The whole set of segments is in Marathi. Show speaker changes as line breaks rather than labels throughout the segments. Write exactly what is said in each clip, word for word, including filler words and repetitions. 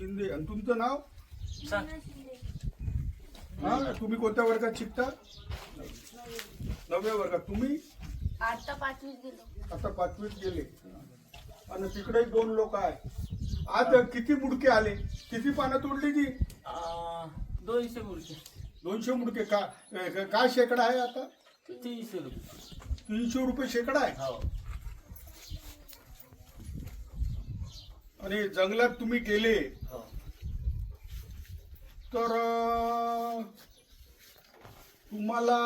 शिंदे. आणि तुमचं नाव?
सांग.
हा, तुम्ही कोणत्या वर्गात शिकता? नवव्या वर्गात. तुम्ही?
आता पाचवीत गेलो.
आता पाचवीत गेले. आणि तिकडे दोन लोक आहे. आज किती मुडके आले? किती पानं तोडली ती?
आ, दोनशे मुडके.
दोनशे मुडके. का काय शेकडा आहे आता?
तीनशे रुपये.
तीनशे रुपये शेकडा आहे.
हो.
आणि जंगलात तुम्ही गेले
हो.
तर अं, तुम्हाला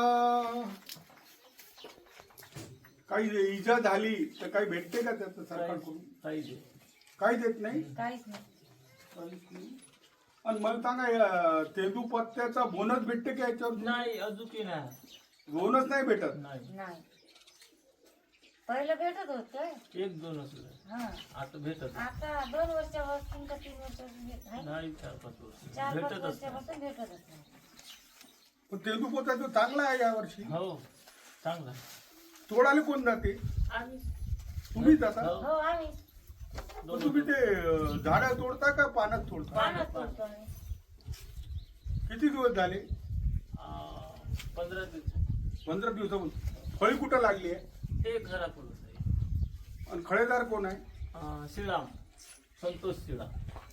काही इजा झाली तर काही भेटते का त्याचं सरकारकडून?
काही दे.
काही देत नाही.
काहीच नाही.
काहीच नाही. आणि मला सांगा या तेंदू पत्त्याचा बोनस भेटते का याच्यावर?
नाही अजून नाही.
बोनस नाही भेटत.
नाही.
नाही. पहिलं भेटत होत.
एक दोन असलं.
हा.
आता भेटत
आता दोन वर्षापासून का तीन वर्षापासून
नाही. चार पाच वर्ष
चार पाच
भेटतच
वर्षापासून भेटतच नाही.
पण तेंदू पत्त्याचं चांगला आहे या वर्षी.
नाही. हो चांगला.
तोडाले कोण जाते?
आणि
तुम्ही जाता?
हो.
हो आम्ही
पण तुम्ही ते अं, झाडं तोडता का पानात तोडता?
पाण्यात तोडतो आम्ही.
किती दिवस झाले?
आ, पंधरा दिवस.
पंधरा दिवसापासून. फळी कुठं लागली आहे?
ते घरापुरच आहे.
आणि खळेदार कोण आहे?
आ, शिळाम संतोष शिळाम.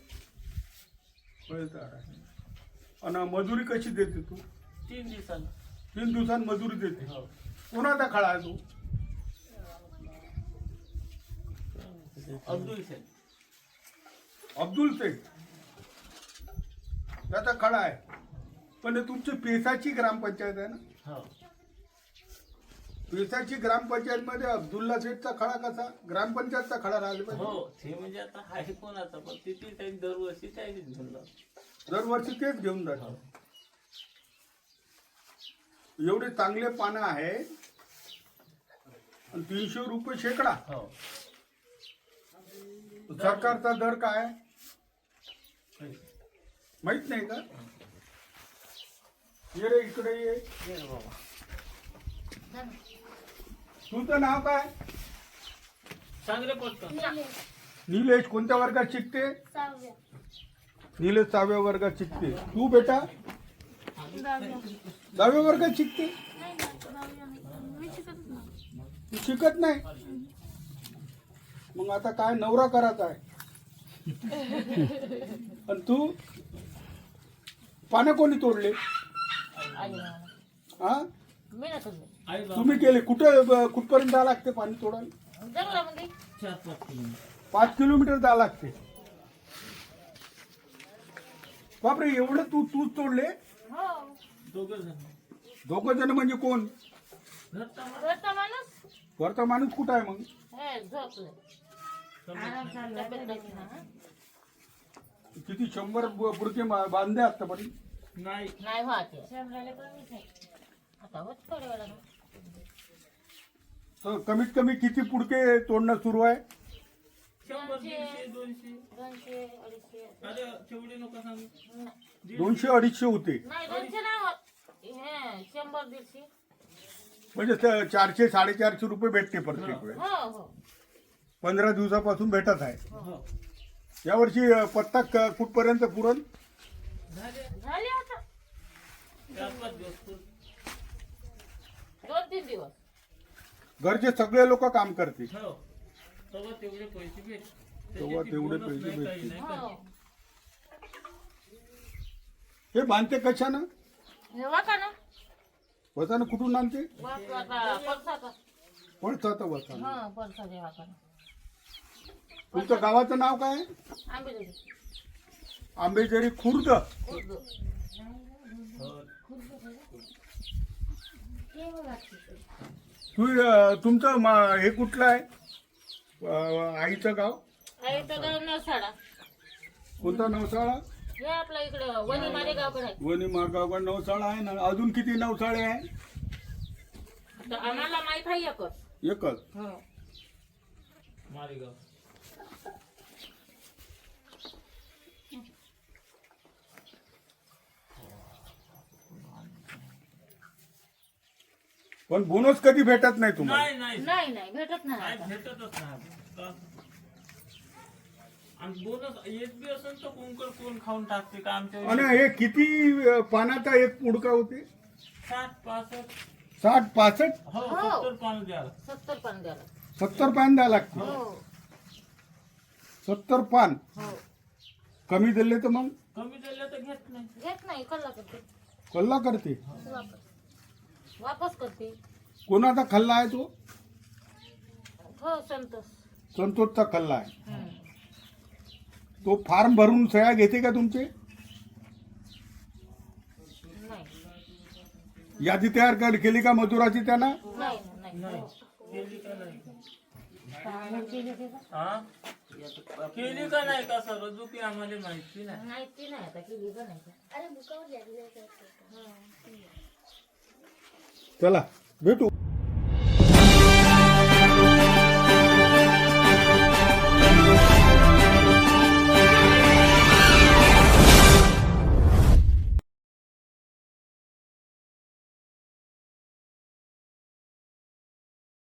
खळेदार आहे. आणि मजुरी कशी देते तू?
तीन दिवसांना.
तीन दिवसांत मजुरी देते.
हो.
कोणाचा खळा आहे तू?
अब्दुल शेख.
अब्दुल शेख. त्याचा खळा आहे. पण हे तुमची पेसाची ग्रामपंचायत आहे ना?
हो.
पेसाची ग्रामपंचायत मध्ये अब्दुल्ला शेखचा खळा कसा? ग्रामपंचायतचा खळा राहिला पाहिजे.
हो ते म्हणजे आता आहे कोणाचा पण तिथे त्यांनी दरवर्षी त्याने घेऊन जातो.
दरवर्षी तेच घेऊन जातो.
हो.
एवढे चांगले पानं आहे आणि तीनशे रुपये शेकडा.
हो.
सरकारचा दर काय आहे? माहित नाही का? ये रे इकडे ये.
ये रे बाबा.
तुझं नाव काय?
सांग रे पटकन.
निलेश. कोणत्या वर्गात शिकते?
सहाव्या.
निलेश सहाव्या वर्गात शिकते. तू बेटा?
दहाव्या.
दहाव्या वर्गात शिकते.
नाही ना, दहाव्या नाही. मी शिकत नाही.
तू शिकत नाही? मग आता काय नवरा करायचा आहे? आणि तू? पानं कोणी तोडले?
आई बाबा.
हा,
मी ना तोडले.
आई बाबा.
तुम्ही केले. कुठं कुठपर्यंत जावं लागते पाणी तोडायला?
जंगलामध्ये.
चार पाच किलोमीटर.
पाच किलोमीटर जावं लागते. बापरे, एवढं तू तूच तोडले?
हो.
दोघं जण.
दोघ जण म्हणजे कोण?
घरचा माणूस.
घरचा माणूस.
वरचा माणूस कुठं आहे मग?
हे झोपले. आराम चालला. तब्येत बरी नाही.
किती शंभर ब- बुडके मा- बांधले आतापर्यंत?
नाही.
नाही व्हायचे. शंभराला कमीच आहे. आता होत थोड्या वेळानं.
तर कमीत कमी किती पुडके तोडणं सुरू आहे?
शंभर दीडशे दोनशे.
दोनशे अडीचशे.
अरे तेवढे नको सांगू.
दोनशे अडीचशे होते.
नाही दोनशे नाही होत. हे शंभर दीडशे.
म्हणजे स- चारशे साडेचारशे रुपये भेटते प्रत्येक वेळेस.
हो हो
पंधरा दिवसापासून भेटत आहे.
हो.
यावर्षी अ, पत्ता क- कुठपर्यंत पुरण?
झाले.
झाले आता
चार पाच दिवस पूर्ण.
दोन तीन दिवस.
घरचे सगळे लोक काम करते.
हो. तेव्हा तेवढे पैसे भेट.
तेव्हा
त्याच्यात
तेवढे
बोनस
पैसे
नाही, काही
भेटतील.
नाही,
हो
काही.
हे बांधते कशानं?
हे वाका ना.
वसानं कुठून आणते?
बस आता पळसाचा.
पळसाचं वसान.
हा पळसाचे वाका.
तुमचं गावाचं नाव काय?
आंबेजोगाई.
आंबेजरी खुर्द.
उर्दू.
हो.
तू अ, तुमचं मा- हे कुठलं आहे? अ, आईचं गाव
आईचं गाव नवसाडा.
कोणता? नवसाळा.
हे आपल्या इकडं वणी मारे गावकडे आहे.
वणी मार्गावर नवसाळा आहे ना. अजून किती नवसाळे आहे?
तर आम्हाला माहित आहे एकच.
एकच.
हो
मारेगाव.
पण बोनस कधी भेटत नाही तुम्हाला?
नाही नाही
नाही नाही भेटत नाही
नाही
आता.
भेटतच नाही. का? आणि बोनस येत बी असेल तर कुंकड कोण खाऊन टाकते का आमच्या
आणि हे किती अं, पानाचा एक मुडका होते
साठ पासष्ट
साठ पासष्ट
हो
हो.
सत्तर पान द्याल
सत्तर पान द्यायला
सत्तर पान द्यावं लागते
हो
सत्तर पान
हो
कमी दिले तर मग
कमी दिलं तर घेत नाही
घेत नाही कल्ला करते
कल्ला करते
वापस वापस करते
कोणाचा खल्ला आहे तो
हो संतोष
संतोषचा खल्ला आहे
हम्म.
तो फॉर्म भरून सह्या घेते का तुमचे
नाही
यादी तयार कर- केली का मजुराची त्यानं
नाही नाही
नाही केली का नाही हा केली का नाही का सर की आम्हाला माहिती नाही
माहिती नाही आता केली का नाही का.
चला भेटू